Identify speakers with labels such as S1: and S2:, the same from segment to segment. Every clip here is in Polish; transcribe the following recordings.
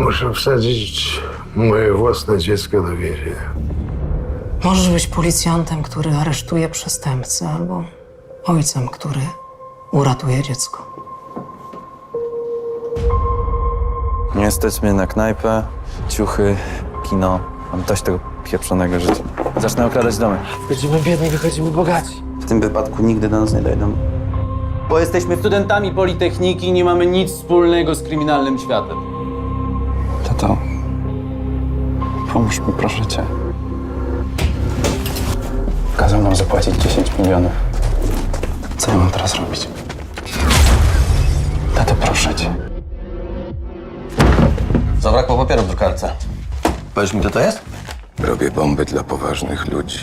S1: Muszę wsadzić moje własne dziecko do więzienia.
S2: Możesz być policjantem, który aresztuje przestępcę, albo ojcem, który uratuje dziecko.
S3: Nie stać mnie na knajpę, ciuchy, kino. Mam dość tego pieprzonego życia. Zacznę okradać domy.
S4: Wchodzimy biedni, wychodzimy bogaci.
S5: W tym wypadku nigdy do nas nie dojdą.
S4: Bo jesteśmy studentami Politechniki i nie mamy nic wspólnego z kryminalnym światem.
S3: Tato, pomóż mi, proszę cię. Kazał nam zapłacić 10 milionów. Co ja mam teraz robić? Tato, proszę cię.
S5: Zabrakło papieru w drukarce. Powiesz mi, kto to jest?
S6: Robię bomby dla poważnych ludzi.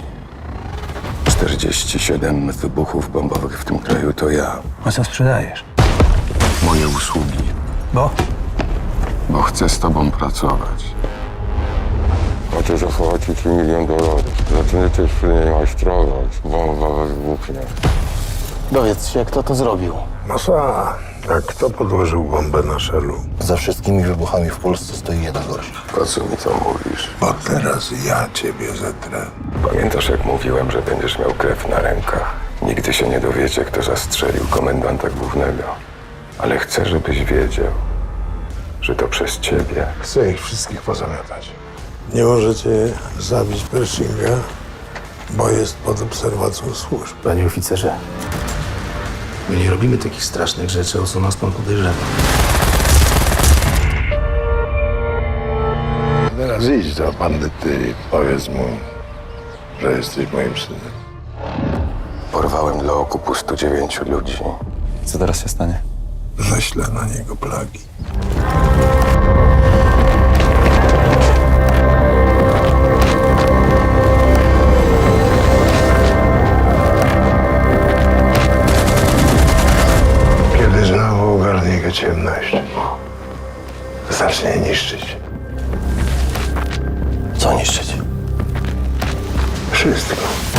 S6: 47 wybuchów bombowych w tym kraju to ja.
S3: A co sprzedajesz?
S6: Moje usługi.
S3: Bo?
S6: Bo chcę z tobą pracować. Chcę zapłacić $1 milion. Zaczniecie przy niej majstrować. Bomba wybuchnie.
S5: Dowiedz się, kto to zrobił.
S1: Masa, a kto podłożył bombę na Shellu?
S5: Za wszystkimi wybuchami w Polsce stoi jeden gość.
S6: Po co mi to mówisz?
S1: Bo teraz ja ciebie zetrę.
S6: Pamiętasz, jak mówiłem, że będziesz miał krew na rękach? Nigdy się nie dowiecie, kto zastrzelił komendanta głównego. Ale chcę, żebyś wiedział, że to przez ciebie.
S1: Chcę ich wszystkich pozamiatać. Nie możecie zabić Pershinga, bo jest pod obserwacją służb.
S7: Panie oficerze, my nie robimy takich strasznych rzeczy, o co nas pan podejrzewa.
S1: Teraz idź do bandyty i powiedz mu, że jesteś moim synem.
S6: Porwałem dla okupu 109 ludzi.
S3: Co teraz się stanie?
S1: Ześlę na niego plagi. Kiedy znowu ogarnie go ciemność, zacznie niszczyć
S5: Co niszczyć?
S1: wszystko.